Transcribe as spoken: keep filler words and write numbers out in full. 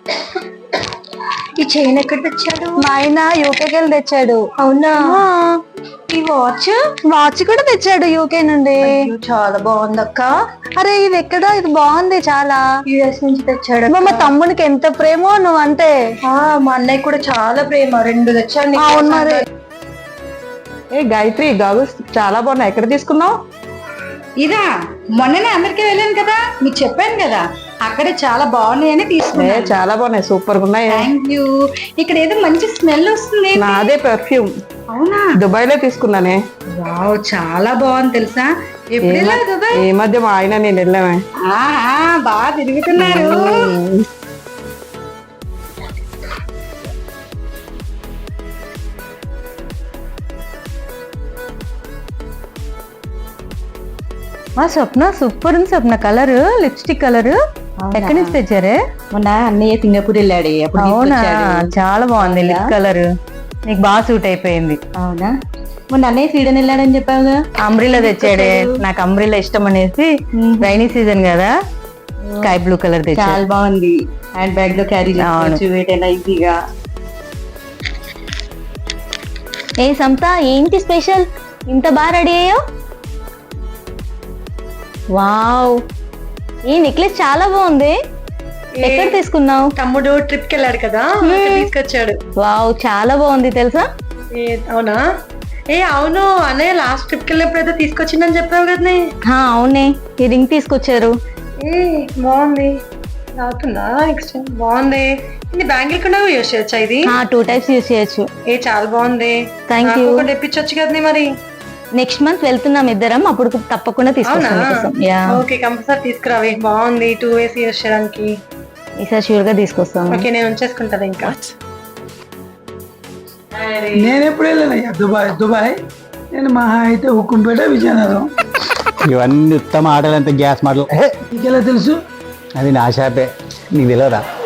ఈ చైన్ ఎక్కడ తెచ్చాడు? మా ఆయన యూకేకి వెళ్ళి తెచ్చాడు. అవునా? ఈ వాచ్ వాచ్ కూడా తెచ్చాడు యూకే నుండి. చాలా బాగుంది అక్క. అరే ఇది ఎక్కడ? ఇది బాగుంది చాలా. యుఎస్ నుంచి తెచ్చాడు. మా తమ్మునికి ఎంత ప్రేమో నువ్వు అంటే. మా అన్నయ్య కూడా చాలా ప్రేమ. రెండు తెచ్చాడు. అవును మరి. ఏ గాయత్రి గాగుల్స్ చాలా బాగున్నాయి. ఎక్కడ తీసుకున్నావు? ఇదా మొన్ననే అమెరికా వెళ్ళాను కదా, మీకు చెప్పాను కదా, అక్కడే చాలా బాగున్నాయని తీసుకున్నా. చాలా బాగున్నాయి, సూపర్ గా ఉన్నాయి. Thank you. ఇక్కడ ఏదో మంచి స్మెల్ వస్తుంది. నాదే పర్ఫ్యూమ్. అవునా? దుబాయ్ లో తీసుకున్నానే. వావ్ చాలా బాగుంది తెలుసా. ఎప్పుడు వెళ్ళారు దుబాయ్? ఈ మధ్య మా ఆయన నేను వెళ్ళామే. బాగా తిరుగుతున్నారు. మా స్వప్న సూపర్ ఉంది స్వప్న. కలర్ లిప్స్టిక్ కలర్ ఎక్కడి నుంచి తెచ్చారే? మొన్న అన్నయ్య సింగపూర్ వెళ్ళాడు. అవునా? చాలా బాగుంది లిప్ కలర్. నీకు బాగా సూట్ అయిపోయింది. అవునా? మొన్న అన్నయ్య స్వీడన్ వెళ్ళాడని చెప్పావుగా. అంబ్రిల్లా తెచ్చాడే. నాకు అంబ్రిల్లా ఇష్టం అనేసి రైనీ సీజన్ కదా స్కై బ్లూ కలర్ తెచ్చా. చాలా బాగుంది. హ్యాండ్ బ్యాగ్ లో క్యారీ చేసుకోవచ్చు ఈజీగా. ఏ సంత ఏంటి స్పెషల్? ఇంత బాగా రెడీ అయ్యో. వావ్ ఈ నెక్లెస్ చాలా బాగుంది. ఎక్కడ తీసుకున్నావు? తమ్ముడు ట్రిప్ కి వెళ్ళాడు కదా, తీసుకొచ్చాడు. వావ్ చాలా బాగుంది తెలుసా. అవునా? ఏ అవును, అన్నయ్య లాస్ట్ ట్రిప్ కి వెళ్ళినప్పుడైతే తీసుకొచ్చిందని చెప్పావు కదా. అవునే, ఈ రింగ్ తీసుకొచ్చారు. ఏ బాగుంది. అవుతుందా? నెక్స్ట్ బాగుంది. ఇది బ్యాంగిల్ కూడా యూస్ చేయొచ్చా? ఇది టూ టైప్స్ యూస్ చేయొచ్చు. ఏ చాలా బాగుంది. Thank you. తెప్పించొచ్చు కదా మరి. నెక్స్ట్ మంత్ వెళ్తున్నాం ఇద్దరం, అప్పుడు తప్పకుండా తీసుకొస్తాం. ఓకే కంపల్సరీ తీసుకురావే. బాగుంది టూ వేస్ యూస్ చేయడానికి. ఈసారి షూర్ గా తీసుకొస్తాం. ఓకే నేను ఉంచేసుకుంటాను. ఇంకా నేను ఎప్పుడు వెళ్ళానయ్యా దుబాయ్. దుబాయ్ నేను మహా అయితే హుకుంపేట, విజయనగరం. ఇవన్నీ ఉత్తమ ఆటలు, అంత గ్యాస్ మాటలు. నీకెలా తెలుసు? అది నా షాపే, నీకు తెలియదా?